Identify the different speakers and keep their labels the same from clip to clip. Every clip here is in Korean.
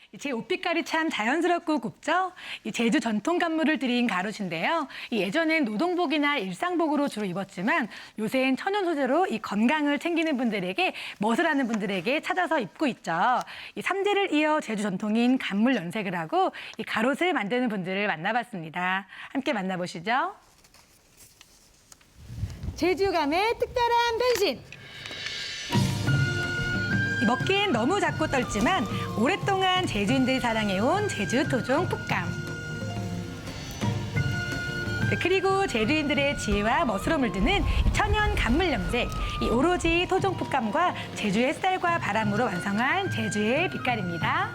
Speaker 1: 제 옷빛깔이 참 자연스럽고 곱죠? 이 제주 전통 간물을 들인 가로신데요. 예전엔 노동복이나 일상복으로 주로 입었지만 요새는 천연 소재로 이 건강을 챙기는 분들에게 멋을 하는 분들에게 찾아서 입고 있죠. 이 삼재를 이어 제주 전통인 간물 염색을 하고 이 가롯을 만드는 분들을 만나봤습니다. 함께 만나보시죠. 제주감의 특별한 변신. 먹기엔 너무 작고 떨지만 오랫동안 제주인들이 사랑해온 제주 토종 풋감. 그리고 제주인들의 지혜와 멋으로 물드는 천연 간물 염색. 이 오로지 토종 풋감과 제주 햇살과 바람으로 완성한 제주의 빛깔입니다.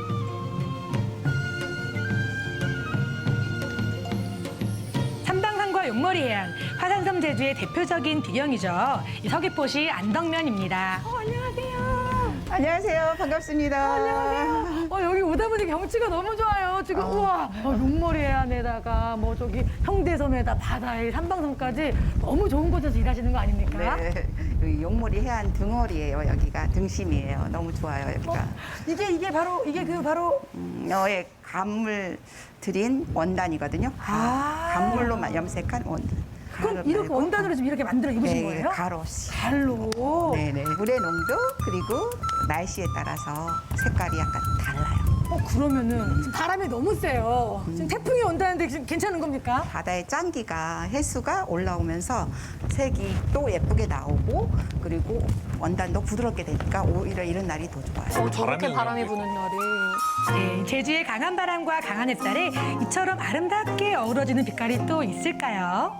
Speaker 1: 삼방산과 용머리 해안, 화산섬 제주의 대표적인 비경이죠. 이 서귀포시 안덕면입니다. 안녕하세요.
Speaker 2: 안녕하세요. 반갑습니다.
Speaker 1: 안녕하세요. 여기 오다 보니 경치가 너무 좋아요. 지금 우와, 용머리 해안에다가 뭐 저기 형대섬에다 바다에 삼방섬까지 너무 좋은 곳에서 일하시는 거 아닙니까?
Speaker 2: 네, 여기 용머리 해안 등어리예요. 여기가 등심이에요. 너무 좋아요. 여기가.
Speaker 1: 이게 바로
Speaker 2: 여의 간물 들인 원단이거든요. 간물로만 염색한 원단.
Speaker 1: 그럼
Speaker 2: 가루
Speaker 1: 이렇게
Speaker 2: 말고.
Speaker 1: 원단으로 지금 이렇게 만들어 입으신
Speaker 2: 네,
Speaker 1: 거예요?
Speaker 2: 가로.
Speaker 1: 갈로.
Speaker 2: 네네. 물의 농도 그리고 날씨에 따라서 색깔이 약간 달라요.
Speaker 1: 그러면은 지금 바람이 너무 세요. 지금 태풍이 온다는데 지금 괜찮은 겁니까?
Speaker 2: 바다의 짠기가 해수가 올라오면서 색이 또 예쁘게 나오고 그리고 원단도 부드럽게 되니까 오히려 이런 날이 더 좋아요.
Speaker 3: 저렇게 바람이 부는 날이.
Speaker 1: 네, 제주의 강한 바람과 강한 햇살에 이처럼 아름답게 어우러지는 빛깔이 또 있을까요?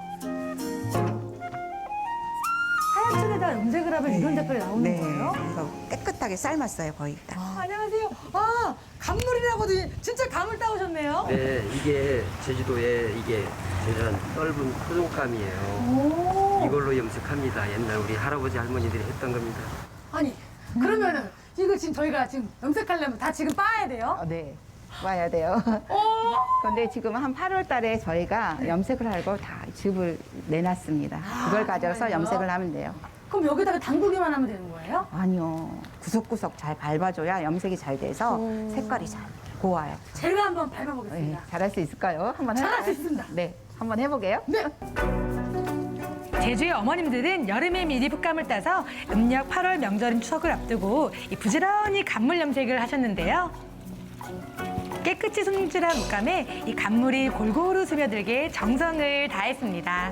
Speaker 1: 하얀 천에다 염색을 하면 이런 색깔이 나오는
Speaker 2: 네,
Speaker 1: 거예요?
Speaker 2: 그래서 깨끗하게 삶았어요, 거의 다.
Speaker 1: 안녕하세요. 간물이라고도 진짜 감을 따오셨네요.
Speaker 4: 네, 이게 제주도에 이게 제주한 떫은 토종감이에요.
Speaker 1: 오.
Speaker 4: 이걸로 염색합니다. 옛날 우리 할아버지 할머니들이 했던 겁니다.
Speaker 1: 아니, 그러면은 이거 지금 저희가 지금 염색하려면 다 지금 빠야 돼요?
Speaker 2: 네, 와야 돼요.
Speaker 1: 오.
Speaker 2: 근데 지금 한 8월 달에 저희가 염색을 하고 다 즙을 내놨습니다. 그걸 가져서
Speaker 1: 정말요?
Speaker 2: 염색을 하면 돼요.
Speaker 1: 그럼 여기다가 담그기만 하면 되는 거예요?
Speaker 2: 아니요. 구석구석 잘 밟아줘야 염색이 잘 돼서 색깔이 잘 고와요.
Speaker 1: 제가 한번
Speaker 2: 네,
Speaker 1: 밟아보겠습니다.
Speaker 2: 잘할 수 있을까요? 한번
Speaker 1: 잘할
Speaker 2: 해볼까요?
Speaker 1: 수 있습니다.
Speaker 2: 네, 한번 해보게요.
Speaker 1: 네. 제주의 어머님들은 여름에 미리 풋감을 따서 음력 8월 명절인 추석을 앞두고 이 부지런히 간물 염색을 하셨는데요. 깨끗이 손질한 옷감에 이 간물이 골고루 스며들게 정성을 다했습니다.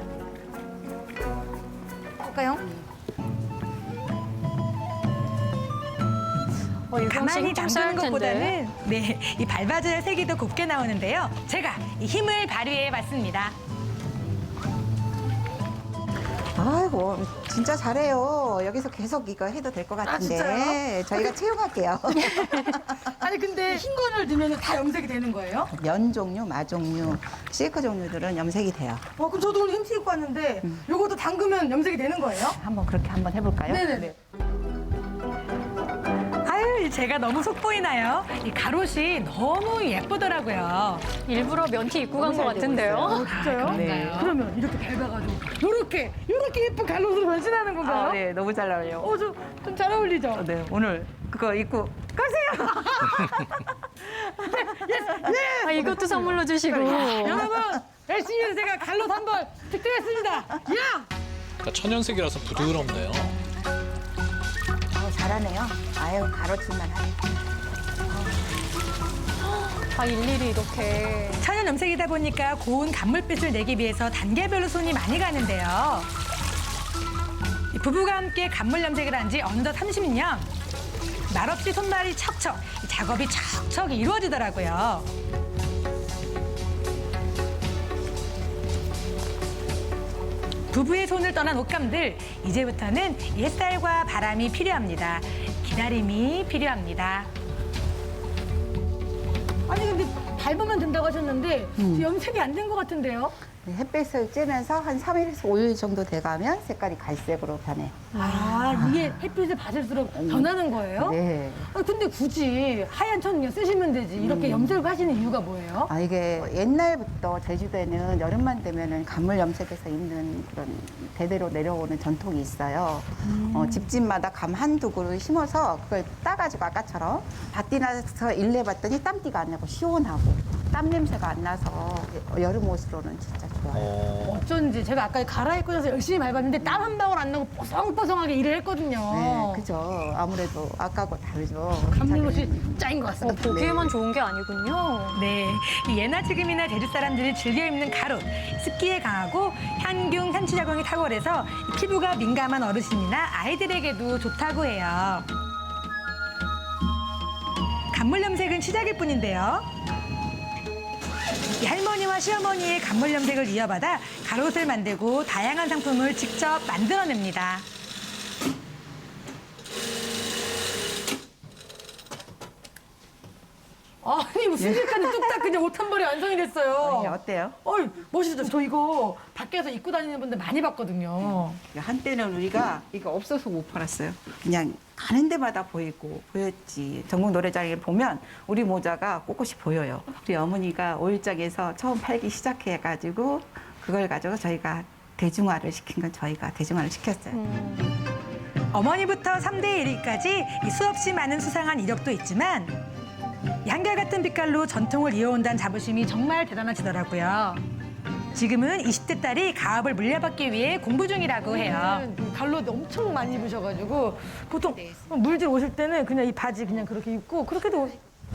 Speaker 1: 볼까요? 가만히 담그는 것보다는 이 밟아줘야 색이 더 곱게 나오는데요. 제가 이 힘을 발휘해봤습니다.
Speaker 2: 아이고, 진짜 잘해요. 여기서 계속 이거 해도 될 것 같은데.
Speaker 1: 진짜요?
Speaker 2: 저희가 채용할게요.
Speaker 1: 아니 근데 흰 거를 넣으면 다 염색이 되는 거예요?
Speaker 2: 면 종류, 마 종류, 실크 종류들은 염색이 돼요.
Speaker 1: 그럼 저도 오늘 흰티 입고 왔는데 요것도 담그면 염색이 되는 거예요?
Speaker 2: 한번 그렇게 한번 해볼까요?
Speaker 1: 네네네. 아유, 제가 너무 속보이나요? 이 가롯이 너무 예쁘더라고요.
Speaker 3: 일부러 면티 입고 간 것 같은데요.
Speaker 1: 진짜요?
Speaker 2: 네.
Speaker 1: 그러면 이렇게 밟아가지고 요렇게 예쁜 갈롯으로 변신하는 건가요?
Speaker 2: 아, 네, 너무 잘 나와요.
Speaker 1: 좀 잘 어울리죠?
Speaker 2: 네, 오늘 그거 입고 가세요.
Speaker 3: 이것도 선물로 주시고.
Speaker 1: 여러분, 열심히 해서 제가 갈롯 한번 득템했습니다. 야!
Speaker 5: 그러니까 천연색이라서 부드럽네요.
Speaker 2: 잘하네요. 아유, 가로질만 하네.
Speaker 3: 일일이 이렇게.
Speaker 1: 천연 염색이다 보니까 고운 간물빛을 내기 위해서 단계별로 손이 많이 가는데요. 이 부부가 함께 간물 염색을 한 지 어느덧 30년. 말없이 손발이 척척, 이 작업이 척척 이루어지더라고요. 부부의 손을 떠난 옷감들, 이제부터는 이 햇살과 바람이 필요합니다. 기다림이 필요합니다. 아니 근데 밟으면 된다고 하셨는데 염색이 안 된 것 같은데요?
Speaker 2: 햇빛을 쬐면서 한 3일에서 5일 정도 돼가면 색깔이 갈색으로 변해.
Speaker 1: 아, 이게 햇빛을 받을수록 변하는 거예요?
Speaker 2: 네.
Speaker 1: 아, 근데 굳이 하얀 천 그냥 쓰시면 되지. 이렇게 염색을 하시는 이유가 뭐예요?
Speaker 2: 아, 이게 옛날부터 제주도에는 여름만 되면은 간물 염색해서 입는 그런 대대로 내려오는 전통이 있어요. 집집마다 감 한두 그루 심어서 그걸 따가지고 아까처럼 밭띠 나서 일내봤더니 땀띠가 안 나고 시원하고 땀 냄새가 안 나서 여름 옷으로는 진짜 좋아요.
Speaker 1: 어쩐지 제가 아까 갈아입고 나서 열심히 밟았는데 땀 한 방울 안 나고 뽀송뽀송하게 일을 했거든요.
Speaker 2: 네, 그죠. 아무래도 아까하고 다르죠.
Speaker 1: 감물옷이 짱인 것 같습니다.
Speaker 3: 보기에만 좋은 게 아니군요.
Speaker 1: 네, 이 예나 지금이나 제주 사람들이 즐겨 입는 가옷, 습기에 강하고 향균, 향취작용이 탁월해서 이 피부가 민감한 어르신이나 아이들에게도 좋다고 해요. 간물 염색은 시작일 뿐인데요. 이 할머니와 시어머니의 간물 염색을 이어받아 가옷을 만들고 다양한 상품을 직접 만들어냅니다. 아니, 뭐 순식간에 뚝딱 그냥 옷 한 벌이 완성이 됐어요.
Speaker 2: 네, 어때요?
Speaker 1: 어이, 멋있죠? 저 이거 밖에서 입고 다니는 분들 많이 봤거든요.
Speaker 2: 한때는 우리가 이거 없어서 못 팔았어요. 그냥 가는 데마다 보였지. 전국 노래장에 보면 우리 모자가 꼿꼿이 보여요. 우리 어머니가 오일장에서 처음 팔기 시작해가지고 그걸 가지고 저희가 대중화를 시킨 건 저희가 대중화를 시켰어요.
Speaker 1: 어머니부터 3대 1위까지 수없이 많은 수상한 이력도 있지만 이 한결같은 빛깔로 전통을 이어온다는 자부심이 정말 대단하시더라고요. 지금은 20대 딸이 가업을 물려받기 위해 공부 중이라고 해요. 갈로 엄청 많이 입으셔가지고 보통 물질 오실 때는 그냥 이 바지 그냥 그렇게 입고 그렇게도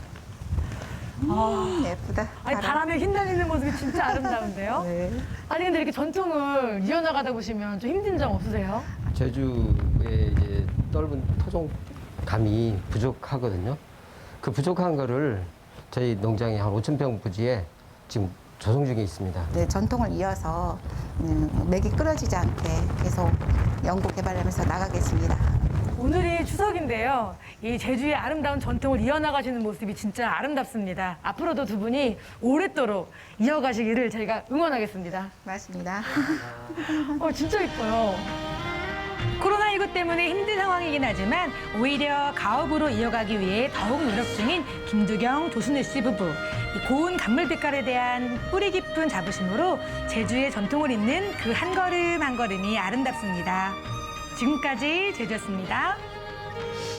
Speaker 2: 예쁘다.
Speaker 1: 아니 바람에 휘날리는 모습이 진짜 아름다운데요?
Speaker 2: 네.
Speaker 1: 아니 근데 이렇게 전통을 이어나가다 보시면 좀 힘든 점 없으세요?
Speaker 4: 제주의 이제 넓은 토종감이 부족하거든요. 그 부족한 거를 저희 농장에 한 5,000평 부지에 지금 조성 중에 있습니다.
Speaker 2: 네, 전통을 이어서 맥이 끊어지지 않게 계속 연구 개발하면서 나가겠습니다.
Speaker 1: 오늘이 추석인데요. 이 제주의 아름다운 전통을 이어나가시는 모습이 진짜 아름답습니다. 앞으로도 두 분이 오랫도록 이어가시기를 저희가 응원하겠습니다.
Speaker 2: 맞습니다.
Speaker 1: 진짜 예뻐요. 코로나19 때문에 힘든 상황이긴 하지만 오히려 가업으로 이어가기 위해 더욱 노력 중인 김두경, 조순우 씨 부부. 이 고운 간물 빛깔에 대한 뿌리 깊은 자부심으로 제주의 전통을 잇는 그 한 걸음 한 걸음이 아름답습니다. 지금까지 제주였습니다.